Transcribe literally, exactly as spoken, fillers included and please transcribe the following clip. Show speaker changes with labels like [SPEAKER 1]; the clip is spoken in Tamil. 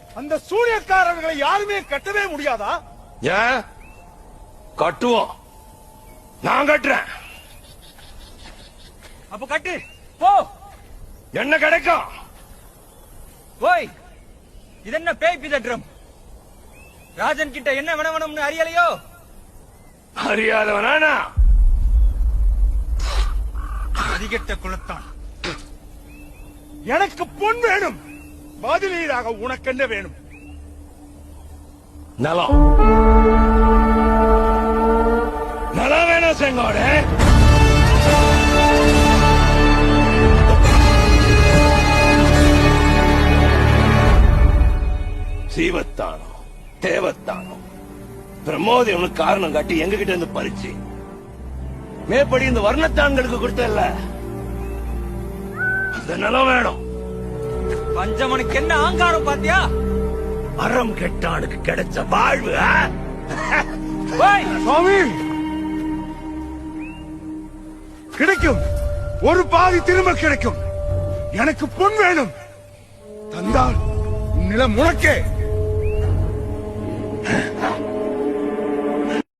[SPEAKER 1] அந்த சூனியக்காரர்களை யாருமே கட்டவே முடியாதா?
[SPEAKER 2] ஏன் கட்டுவோம், நான் கட்டுறேன்.
[SPEAKER 3] அப்ப கட்டு போ.
[SPEAKER 2] என்ன கிடைக்கும்?
[SPEAKER 3] ஓய், இது என்ன பேய் பிதற்றம்? ராஜன் கிட்ட என்ன வேணும்னு அறியலையோ?
[SPEAKER 2] அறியாதவனா?
[SPEAKER 3] அதிகட்ட குலத்தான்.
[SPEAKER 1] எனக்கு பொன் வேணும், பதிலீடாக உனக்கு என்ன வேணும்?
[SPEAKER 2] நலம். நலம் வேணும் செங்கோடு. சீவத்தானோ தேவத்தானோ பிரமோதேவனுக்கு காரணம் காட்டி எங்க கிட்ட இருந்து பறிச்சு மேற்படி இந்த வர்ணத்தான்களுக்கு கொடுத்தல, அந்த நிலம் வேணும்.
[SPEAKER 3] பஞ்சமனுக்கு என்ன ஆங்காரம் பாத்தியா?
[SPEAKER 2] அறம் கெட்டானுக்கு கிடைச்ச வாழ்வு.
[SPEAKER 1] சுவாமி, கிடைக்கும், ஒரு பாதி திரும்ப கிடைக்கும். எனக்கு பொன் வேணும், தந்தால் நிலம் உனக்கே.